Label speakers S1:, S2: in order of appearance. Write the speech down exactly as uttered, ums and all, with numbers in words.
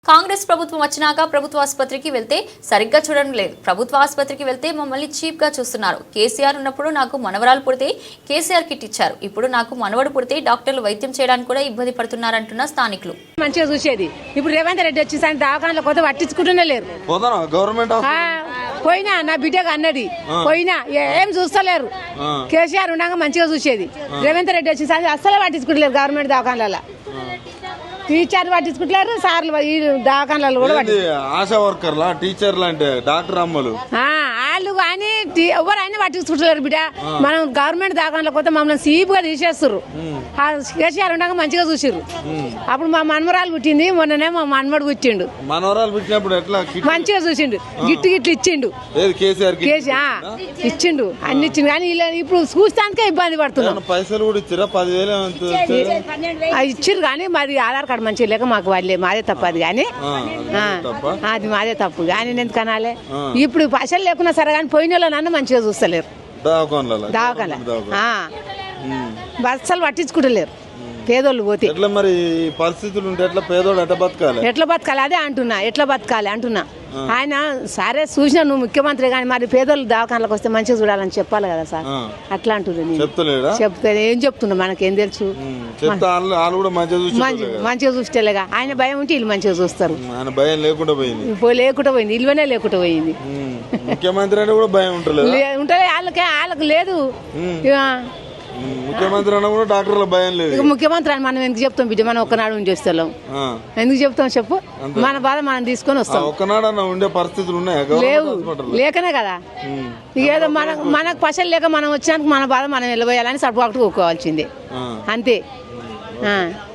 S1: కాంగ్రెస్ ప్రభుత్వం వచ్చినాక ప్రభుత్వ ఆసుపత్రికి వెళ్తే సరిగ్గా చూడడం లేదు. ప్రభుత్వ ఆసుపత్రికి వెళ్తే మమ్మల్ని చీప్ గా చూస్తున్నారు. కేసీఆర్ ఉన్నప్పుడు నాకు మనవరాలు పుడితే కేసీఆర్ కిట్ ఇచ్చారు. ఇప్పుడు నాకు మనవడు పుడితే డాక్టర్లు వైద్యం చేయడానికి కూడా ఇబ్బంది పడుతున్నారంటున్న స్థానికులు.
S2: మంచిగా చూసేది ఇప్పుడు రేవంత్ రెడ్డి వచ్చి దవాఖానలో కొత్త పట్టించుకుంటూనే లేరు.
S3: గవర్నమెంట్
S2: పోయినా నా బిడ్డకు అన్నది పోయినా ఏం చూస్తలేరు. కేసీఆర్ ఉండగా మంచిగా చూసేది. రేవంత్ రెడ్డి వచ్చి అస్సలే పట్టించుకుంటలేరు. గవర్నమెంట్ దవాఖానలో టీచర్లు పట్టించుకుంటారు, సార్లు ఈ దవాఖానలు కూడా
S3: ఆశా వర్కర్లా టీచర్లు అంటే డాక్టర్ అమ్మలు
S2: వాళ్ళు కానీ ఎవరైనా పట్టించుకుంటలేరు. బిడ్డ మనం గవర్నమెంట్ దవాఖానలో కొత్త మమ్మల్ని సీప్ గా తీసేస్తారు. కేసీఆర్ ఉండగా మంచిగా చూసిర్రు. అప్పుడు మా మనమరాలు పుట్టింది, మొన్ననే మా మనమడు పుట్టిండు.
S3: మనవరాలు పుట్టినప్పుడు ఎట్లా
S2: మంచిగా చూసిండు, గిట్టు గిట్లు ఇచ్చిండు.
S3: కేసీఆర్
S2: ఇచ్చిండు అన్ని ఇచ్చిండు. కానీ ఇప్పుడు చూస్తానికే ఇబ్బంది పడుతున్నాం.
S3: పైసలు కూడా ఇచ్చిరా? పదివేలు
S2: ఇచ్చిర్రు కానీ మాది ఆధార్ కార్డు మంచిగా లేక మాకు వాళ్ళే మాదే తప్పు. అది కానీ అది మాదే తప్పు కానీ ఎందుకు అనాలే. ఇప్పుడు పైసలు లేకున్నా సరే కానీ పోయిన వాళ్ళనన్నా మంచిగా చూస్తలేరు. దవాఖాన బస్సలు పట్టించుకుంటలేరు. పేదోళ్ళు పోతే
S3: ఎట్లా మరి పరిస్థితులు ఉంటే ఎట్లా పేదోడు ఎట్లా బతకాలి?
S2: ఎట్లా బతకాలి అదే అంటున్నా. ఎట్లా బతకాలి అంటున్నా. ఆయన సరే చూసినా నువ్వు ముఖ్యమంత్రి కానీ మరి పేదోళ్ళు దవాఖానలకు వస్తే మంచిగా చూడాలని చెప్పాలి కదా సార్. అట్లా అంటున్నా. చెప్తే ఏం చెప్తున్నా, మనకేం తెలుసు. మంచిగా చూస్తేలేగా ఆయన భయం ఉంటే వీళ్ళు మంచిగా చూస్తారు.
S3: భయం లేకుండా పోయింది
S2: లేకుండా పోయింది ఇల్వనే లేకుండా పోయింది.
S3: ముఖ్యమంత్రి అంటే కూడా భయం ఉంటుంది.
S2: ఉంటుంది వాళ్ళకే వాళ్ళకి లేదు.
S3: ముఖ్యమంత్రి అన్న కూడా డాక్టర్ల భయం లేదు.
S2: ముఖ్యమంత్రి అని మనం ఎందుకు చెప్తాం బిడ్డ? మనం ఒక్కనాడు ఉండి వస్తాం. ఎందుకు చెప్తాం చెప్పు? మన బాధ మనం తీసుకొని వస్తాం.
S3: ఒక్కనాడు అన్న ఉండే పరిస్థితులు ఉన్నాయా?
S2: లేవు, లేకనే కదా. ఏదో మన మనకు పైసలు లేక మనం వచ్చినందుకు మన బాధ మనం వెళ్ళబోయాలని సర్దుబాటు కోవాల్సిందే అంతే.